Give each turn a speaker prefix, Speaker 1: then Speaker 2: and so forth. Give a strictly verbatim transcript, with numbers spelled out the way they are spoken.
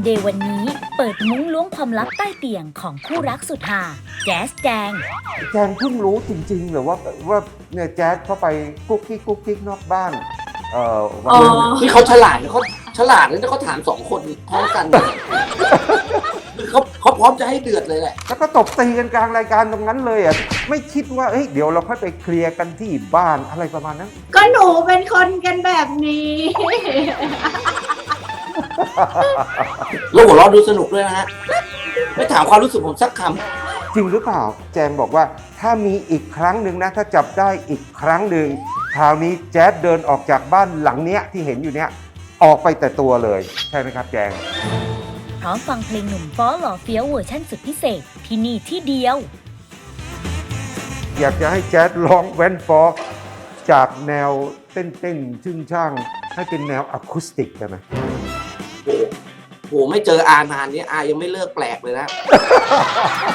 Speaker 1: เดย์วันนี้เปิดมุ้งล้วงความลับใต้เตียงของคู่รักสุดฮาแจ๊สแจง
Speaker 2: แจงเพิ่งรู้จริงๆเหรือว่าว่าเนี่ยแจ๊สเข้าไปกุ๊กกิ๊กกุ๊กกิ๊กนอกบ้านเอ่อวันนั้น
Speaker 3: ที่เขาฉลาดเขาฉลาดแล้วเขาถามสองคนพร้อมกันเขาเขาพร้อมจะให้เดือดเลยแหละ
Speaker 2: แล้วก็ตบตีกันกลางรายการตรงนั้นเลยอ่ะไม่คิดว่าเฮ้ยเดี๋ยวเราค่อยไปเคลียร์กันที่บ้านอะไรประมาณนั้น
Speaker 4: ก็หนูเป็นคนกันแบบนี้
Speaker 3: แล้วหัวเราะดูสนุกด้วยนะฮะไม่ถามความรู้สึกผมสักค
Speaker 2: ำจริงหรือเปล่าแจงบอกว่าถ้ามีอีกครั้งหนึ่งนะถ้าจับได้อีกครั้งหนึ่งคราวนี้แจ๊ดเดินออกจากบ้านหลังเนี้ยที่เห็นอยู่เนี้ยออกไปแต่ตัวเลยใช่ไหมครับแจง
Speaker 1: พร้อมฟังเพลงหนุ่มฟ้อหล่อเฟี้ยวเวอร์ชั่นสุดพิเศษที่นี่ที่เดียว
Speaker 2: อยากจะให้แจ๊ดร้องแวนฟอกจากแนวเต้นๆชึ่งช่างให้เป็นแนวอะคูสติกได้ไหม
Speaker 3: โอ้โหไม่เจออานานนี้อายังไม่เลิกแปลกเลยนะ